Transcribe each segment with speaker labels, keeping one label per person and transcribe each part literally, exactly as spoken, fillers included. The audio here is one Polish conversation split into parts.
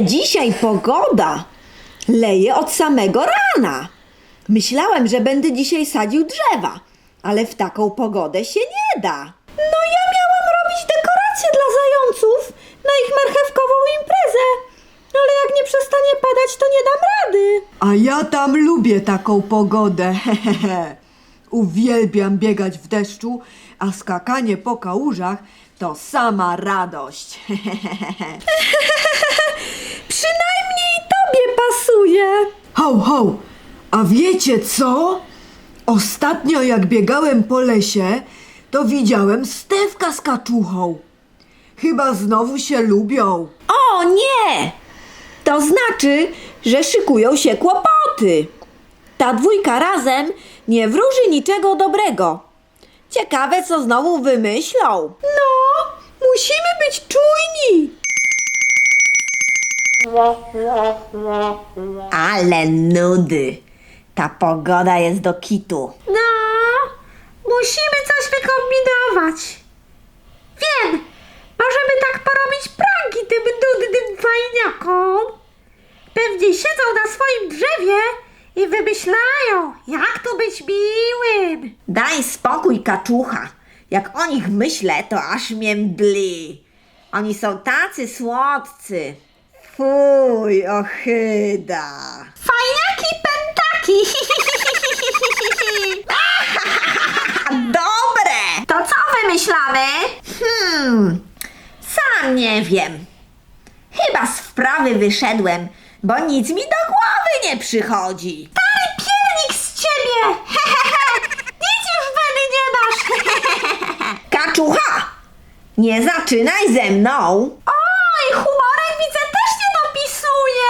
Speaker 1: dzisiaj pogoda! Leje od samego rana. Myślałem, że będę dzisiaj sadził drzewa, ale w taką pogodę się nie da. No ja miałam robić dekoracje dla zająców na ich marchewkową imprezę, ale jak nie przestanie padać, to nie dam rady.
Speaker 2: A ja tam lubię taką pogodę. Hehehe. Uwielbiam biegać w deszczu, a skakanie po kałużach to sama radość.
Speaker 1: Przynajmniej tobie pasuje.
Speaker 2: Ho, ho! A wiecie co? Ostatnio jak biegałem po lesie, to widziałem Stefka z kaczuchą. Chyba znowu się lubią.
Speaker 1: O nie! To znaczy, że szykują się kłopoty. Ta dwójka razem nie wróży niczego dobrego. Ciekawe, co znowu wymyślą. No, musimy być czujni. Ale nudy. Ta pogoda jest do kitu.
Speaker 3: No, musimy coś wykombinować. Wiem, możemy tak porobić pranki tym nudnym fajniakom. Pewnie siedzą na swoim drzewie i wymyślają, jak tu być miłym.
Speaker 1: Daj spokój, kaczucha. Jak o nich myślę, to aż mnie mdli. Oni są tacy słodcy. Fuj, ochyda.
Speaker 3: Fajniaki pentaki.
Speaker 1: Dobre!
Speaker 3: To co wymyślamy?
Speaker 1: Hmm, sam nie wiem. Chyba z wprawy wyszedłem, bo nic mi do głowy nie przychodzi.
Speaker 3: Stary piernik z ciebie. Nic już weny nie masz.
Speaker 1: Kaczucha! Nie zaczynaj ze mną!
Speaker 3: Oj, humorek widzę też nie dopisuje.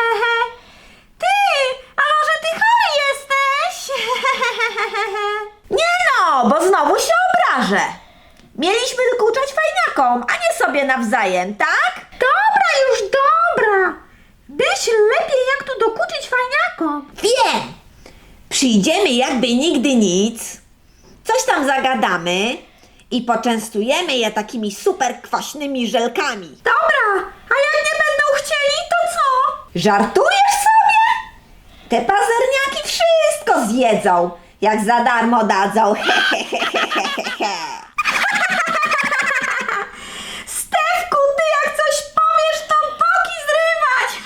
Speaker 3: Ty, a może ty chory jesteś?
Speaker 1: Nie no, bo znowu się obrażę. Mieliśmy dokuczać fajniakom, a nie sobie nawzajem, tak?
Speaker 3: Dobra, już dobra. Myśl lepiej, jak tu dokuczyć fajniakom.
Speaker 1: Wiem! Przyjdziemy jakby nigdy nic, coś tam zagadamy i poczęstujemy je takimi super kwaśnymi żelkami.
Speaker 3: Dobra, a jak nie będą chcieli, to co?
Speaker 1: Żartujesz sobie? Te pazerniaki wszystko zjedzą, jak za darmo dadzą.
Speaker 3: Stefku, ty jak coś powiesz, to boki zrywać.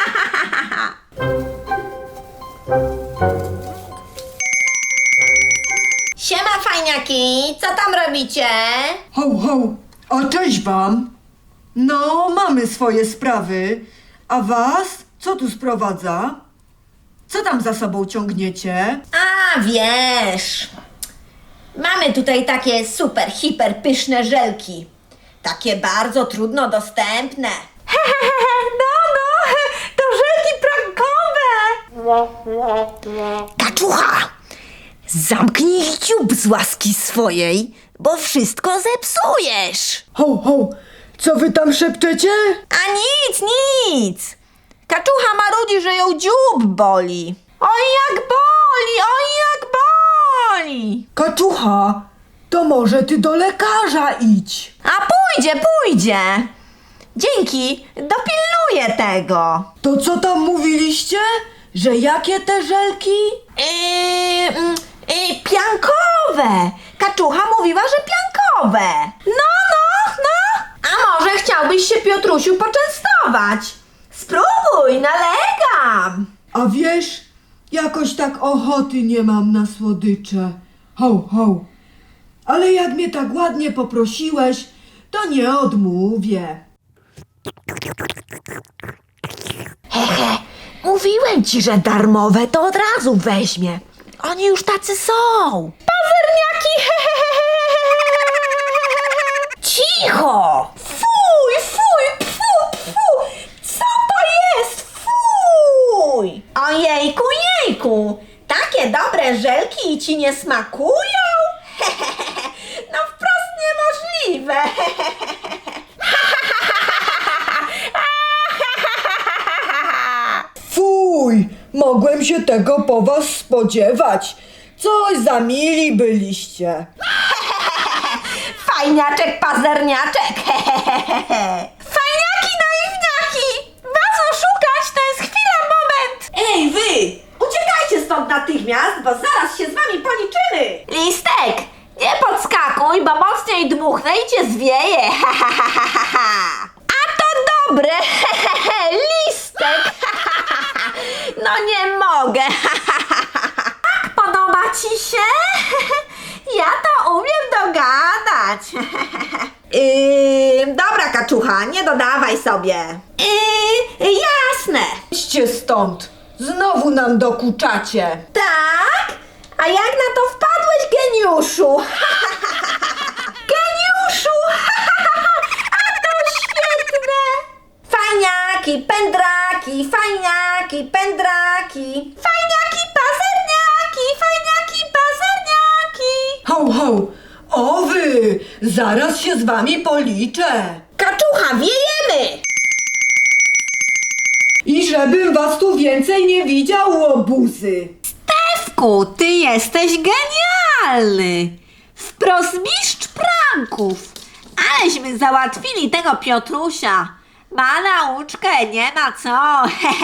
Speaker 1: Siema fajniaki, co tam robicie?
Speaker 2: Ho, ho! A cześć wam! No, mamy swoje sprawy. A was? Co tu sprowadza? Co tam za sobą ciągniecie?
Speaker 1: A wiesz, mamy tutaj takie super, hiper pyszne żelki. Takie bardzo trudno dostępne.
Speaker 3: No, no, to żelki prankowe.
Speaker 1: Kaczucha! Zamknij dziób z łaski swojej, bo wszystko zepsujesz.
Speaker 2: Ho, ho! Co wy tam szepczecie?
Speaker 1: A nic, nic. Kaczucha marudzi, że ją dziób boli. Oj, jak boli, oj, jak boli.
Speaker 2: Kaczucha, to może ty do lekarza idź.
Speaker 1: A pójdzie, pójdzie. Dzięki, dopilnuję tego.
Speaker 2: To co tam mówiliście? Że jakie te żelki?
Speaker 1: Yy, mm, yy, piankowe. Kaczucha mówiła, że piankowe. No, no, no. A może chciałbyś się, Piotrusiu, poczęstować? Spróbuj, nalegam.
Speaker 2: A wiesz, jakoś tak ochoty nie mam na słodycze. Ho, ho. Ale jak mnie tak ładnie poprosiłeś, to nie odmówię.
Speaker 1: Hehe, mówiłem ci, że darmowe to od razu weźmie. Oni już tacy są.
Speaker 3: Pazerniaki.
Speaker 1: Cicho! Fuj, fuj, pfu, pfu! Co to jest? Fuj! Ojejku, jejku! Takie dobre żelki ci nie smakują? No wprost niemożliwe!
Speaker 2: Fuj, mogłem się tego po was spodziewać. Coś za mili byliście.
Speaker 1: Fajniaczek, pazerniaczek!
Speaker 3: Fajniaki, naiwniaki. Was
Speaker 1: stąd natychmiast, bo zaraz się z wami policzymy!
Speaker 4: Listek, nie podskakuj, bo mocniej dmuchnę i cię zwieje. Ha, ha, ha, ha, ha, ha. A to dobre. He, he, he. Listek. Ha, ha, ha, ha. No nie mogę. Ha, ha, ha, ha. Tak podoba ci się? Ja to umiem dogadać.
Speaker 1: Yy, dobra, kaczucha, nie dodawaj sobie.
Speaker 4: Yy, jasne.
Speaker 2: Idźcie stąd! Znowu nam dokuczacie!
Speaker 1: Tak? A jak na to wpadłeś, geniuszu? Geniuszu! A to świetne! Fajniaki, pędraki, fajniaki, pędraki. Fajniaki, pazerniaki, fajniaki, pazerniaki.
Speaker 2: Ho, ho! O wy! Zaraz się z wami policzę!
Speaker 1: Kaczucha, wiejemy!
Speaker 2: I żebym was tu więcej nie widział, łobuzy!
Speaker 4: Stefku, ty jesteś genialny. Wprost mistrz pranków. Aleśmy załatwili tego Piotrusia. Ma nauczkę, nie ma co.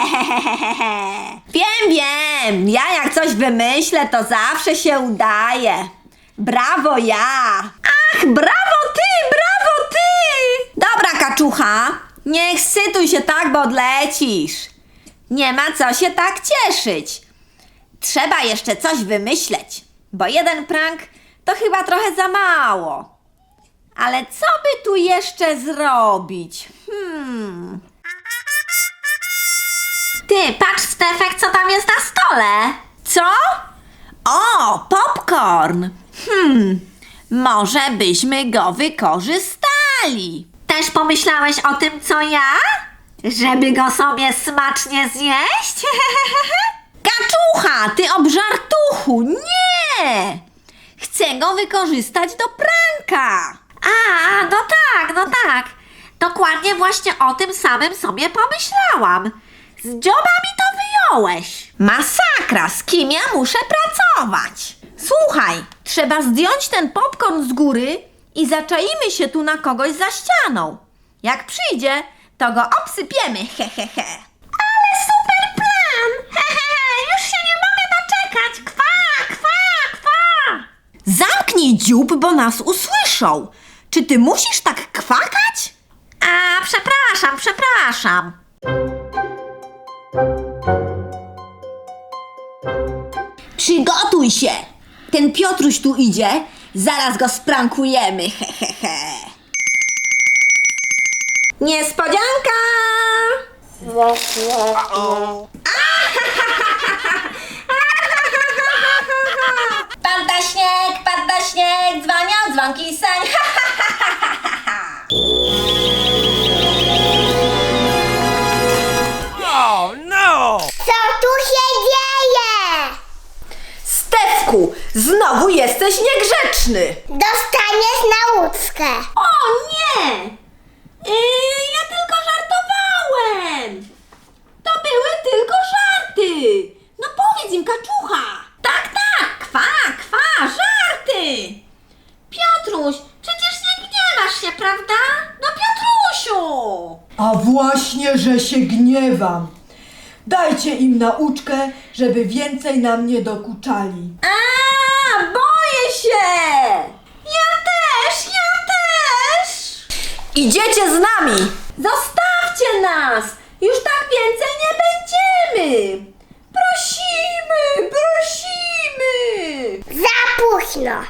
Speaker 1: Wiem, wiem, ja jak coś wymyślę, to zawsze się udaje. Brawo ja!
Speaker 4: Ach, brawo ty, brawo ty.
Speaker 1: Dobra, kaczucha, nie ekscytuj się tak, bo odlecisz. Nie ma co się tak cieszyć. Trzeba jeszcze coś wymyśleć, bo jeden prank to chyba trochę za mało. Ale co by tu jeszcze zrobić? Hmm...
Speaker 4: Ty, patrz Stefek, co tam jest na stole.
Speaker 1: Co? O, popcorn! Hmm, może byśmy go wykorzystali.
Speaker 4: Też pomyślałeś o tym, co ja? Żeby go sobie smacznie zjeść?
Speaker 1: Kaczucha, ty obżartuchu, nie! Chcę go wykorzystać do pranka.
Speaker 4: A, no tak, no tak. Dokładnie właśnie o tym samym sobie pomyślałam. Z dzioba mi to wyjąłeś.
Speaker 1: Masakra, z kim ja muszę pracować? Słuchaj, trzeba zdjąć ten popcorn z góry i zaczaimy się tu na kogoś za ścianą. Jak przyjdzie, to go obsypiemy, he he he.
Speaker 4: Ale super plan! Hehe, już się nie mogę doczekać. Kwa, kwa, kwa.
Speaker 1: Zamknij dziób, bo nas usłyszą. Czy ty musisz tak kwakać?
Speaker 4: A, przepraszam, przepraszam.
Speaker 1: Przygotuj się! Ten Piotruś tu idzie, zaraz go sprankujemy, he he he. Niespodzianka! Pada śnieg, pada śnieg, dzwonią dzwonki seń.
Speaker 5: Oh no!
Speaker 3: Co tu się dzieje?
Speaker 1: Stefku, znowu jesteś niegrzeczny!
Speaker 3: Dostaniesz nauczkę.
Speaker 1: O nie! Yy, ja tylko żartowałem! To były tylko żarty! No powiedz im, kaczucha! Tak, tak! Kwa, kwa, żarty! Piotruś, przecież nie gniewasz się, prawda? No Piotrusiu!
Speaker 2: A właśnie, że się gniewam! Dajcie im nauczkę, żeby więcej nam nie dokuczali.
Speaker 1: A, boję się! Ja też, ja też! Idziecie z nami! Zostawcie nas! Już tak więcej nie będziemy! Prosimy, prosimy!
Speaker 3: Za późno.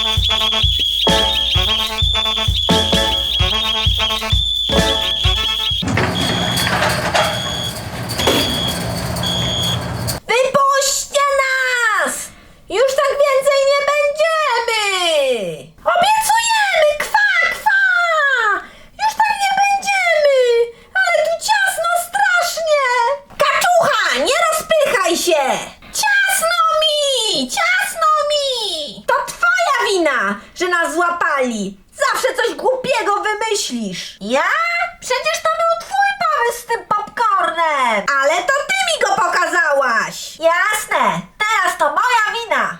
Speaker 1: Wypuśćcie nas! Już tak więcej nie będziemy! Obiecujemy! Kwa, kwa! Już tak nie będziemy! Ale tu ciasno strasznie! Kaczucha, nie rozpychaj się! Ciasno mi! Ciasno mi! To twoja wina, że nas złapali! Zawsze coś głupiego wymyślisz! Ja? Przecież to był twój pomysł z tym popcornem! Ale to ty mi go pokazałaś! Jasne! Teraz to moja wina!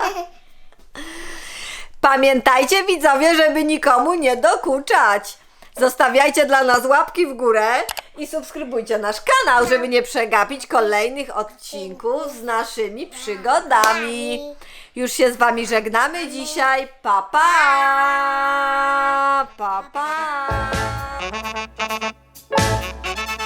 Speaker 1: Pamiętajcie, widzowie, żeby nikomu nie dokuczać. Zostawiajcie dla nas łapki w górę i subskrybujcie nasz kanał, żeby nie przegapić kolejnych odcinków z naszymi przygodami. Już się z wami żegnamy dzisiaj. Pa, pa! Pa, pa!